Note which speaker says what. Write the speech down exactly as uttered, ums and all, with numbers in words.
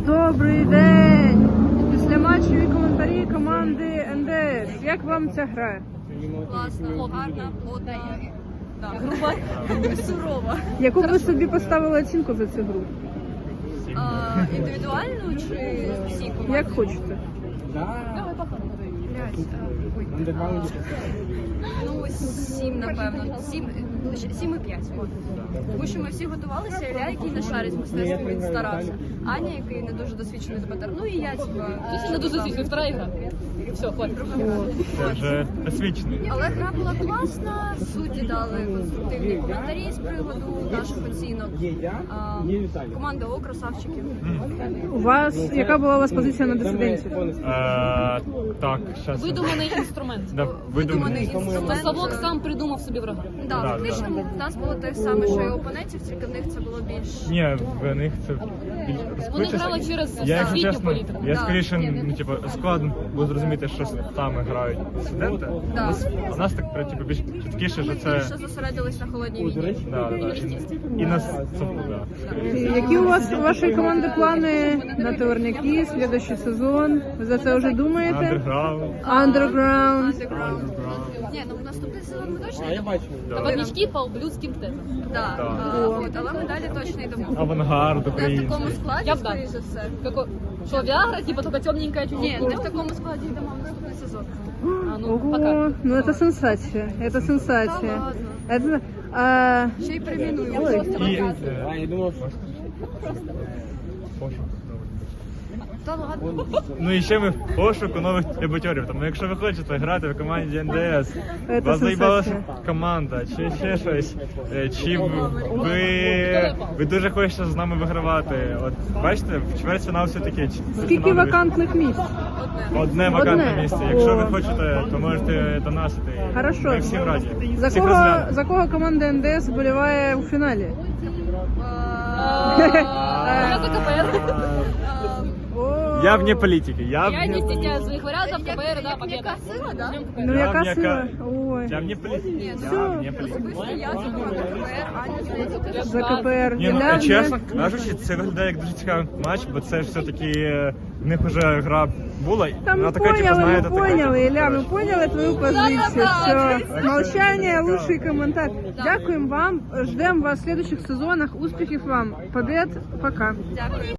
Speaker 1: Добрий день! Після матчеві коментарі команди ен де ес. Як вам ця гра?
Speaker 2: Класно, гарна, плотна, груба, сурова.
Speaker 1: Яку б ви собі поставили оцінку за цю гру?
Speaker 2: А, індивідуальну чи всі команди?
Speaker 1: Як хочете.
Speaker 2: Ну, сім, напевно. Сім, сім і п'ять. Тому що ми всі готувалися, Ілля, який не шарить в мистецтві, він старався. Аня, який не дуже досвідчений дебатер. Ну і я, типа...
Speaker 3: Не дуже досвідчений, втора ігра. Все, хватить.
Speaker 4: Це вже освічений.
Speaker 2: Але гра була класна, судді дали конструктивні коментарі з приводу наших оцінок. А, команда О, красавчики.
Speaker 1: У вас, яка була у вас позиція на дисидентів?
Speaker 4: Е, так, щас.
Speaker 3: Видуманий інструмент.
Speaker 4: Да,
Speaker 2: Видуманий
Speaker 4: видуманий.
Speaker 2: інструмент.
Speaker 3: Савок сам придумав собі врага.
Speaker 2: Да,
Speaker 4: Да,
Speaker 2: фактично,
Speaker 4: да.
Speaker 2: в нас було те саме, що і у опонентів, тільки в них це було більш...
Speaker 4: Ні, в них це більш
Speaker 3: Вони
Speaker 4: розпливчасто.
Speaker 3: грали через
Speaker 4: Я, якщо
Speaker 3: освітню
Speaker 4: чесно,
Speaker 3: політику.
Speaker 4: я
Speaker 2: Да.
Speaker 4: скоріше, ну, типу, складно буду зрозуміти, що там грають студенти.
Speaker 2: Да.
Speaker 4: У нас, у нас так, типу, більш чіткіше, що
Speaker 2: Ми
Speaker 4: це...
Speaker 2: більше зосередились на холодній війні.
Speaker 4: Да, да, да. І, і нас це да.
Speaker 1: Які у вас, у вашої команди плани на турніки, слідуючий сезон? Ви за це вже думаєте?
Speaker 4: Андерграунд.
Speaker 1: Underground.
Speaker 2: Underground. Ні, ну в наступний сезон ми точно йдемо.
Speaker 3: Воднички по ублюдським тезам.
Speaker 2: Да.
Speaker 4: Да.
Speaker 2: А, от, але ми далі точно йдемо.
Speaker 4: Авангард
Speaker 2: Не в
Speaker 4: український.
Speaker 2: такому складі,
Speaker 3: Я б да.
Speaker 2: скоріше за все.
Speaker 3: Како... Що, Віагра, типа, тільки темненькая чуть-чуть?
Speaker 2: Ні, не в такому складі йдемо в наступний сезон.
Speaker 3: А, ну,
Speaker 1: Ого,
Speaker 3: пока.
Speaker 1: ну это сенсация, это сенсация.
Speaker 2: Да
Speaker 1: Это, а,
Speaker 2: Ще й перейменуємо.
Speaker 1: Ой.
Speaker 4: І, е, пошук.
Speaker 2: Та ладно.
Speaker 4: Ну і ще ми в пошуку нових дебатерів. Тому якщо ви хочете грати в команді ен де ес,
Speaker 1: Це
Speaker 4: вас заїбала
Speaker 1: сенсація.
Speaker 4: команда, чи ще щось, е, чи ви, ви дуже хочете з нами вигравати. От бачите, в чвертьфінал все-таки ч-
Speaker 1: скільки
Speaker 4: команда
Speaker 1: вакантних місць?
Speaker 2: Одне.
Speaker 4: Одне вакантне
Speaker 1: Одне?
Speaker 4: місце. Якщо ви
Speaker 1: О.
Speaker 4: хочете, то можете донасити.
Speaker 1: Хорошо.
Speaker 4: Ми всім раді.
Speaker 1: За
Speaker 4: Всіх
Speaker 1: кого,
Speaker 4: розглянемо.
Speaker 1: за кого команда ен де ес вболіває у фіналі?
Speaker 2: А,
Speaker 3: Я за КПР.
Speaker 2: а,
Speaker 1: О,
Speaker 4: Я вне політики. Я,
Speaker 3: Я не
Speaker 4: вне...
Speaker 3: стесняюсь своих вариантов, КПР, да,
Speaker 2: Яка
Speaker 3: победа.
Speaker 2: сила, да?
Speaker 1: Ну
Speaker 4: Я
Speaker 1: яка
Speaker 4: вне
Speaker 1: сила?
Speaker 4: ка-
Speaker 1: Ой,
Speaker 4: Я вне політики.
Speaker 1: Все.
Speaker 4: Я вне політики.
Speaker 2: Особисто я за команду КПР, Аня за
Speaker 1: за КПР.
Speaker 4: Ні, ну,
Speaker 1: Ілля,
Speaker 4: е, чесно
Speaker 1: ні?
Speaker 4: кажучи, це виглядає як дуже цікавий матч, бо це ж все-таки е, в них вже гра була.
Speaker 1: Та ми
Speaker 4: вона така, типу,
Speaker 1: поняли,
Speaker 4: знаєте,
Speaker 1: ми
Speaker 4: така,
Speaker 1: поняли,
Speaker 4: типу,
Speaker 1: Ілля, ми
Speaker 4: коротше.
Speaker 1: поняли твою позицію.
Speaker 2: Да-да-да,
Speaker 1: Все. Молчание, лучший комментарий. Дякуємо вам, ждем вас в следующих сезонах. Успіхів вам. Побед. Пока.
Speaker 2: Дякую.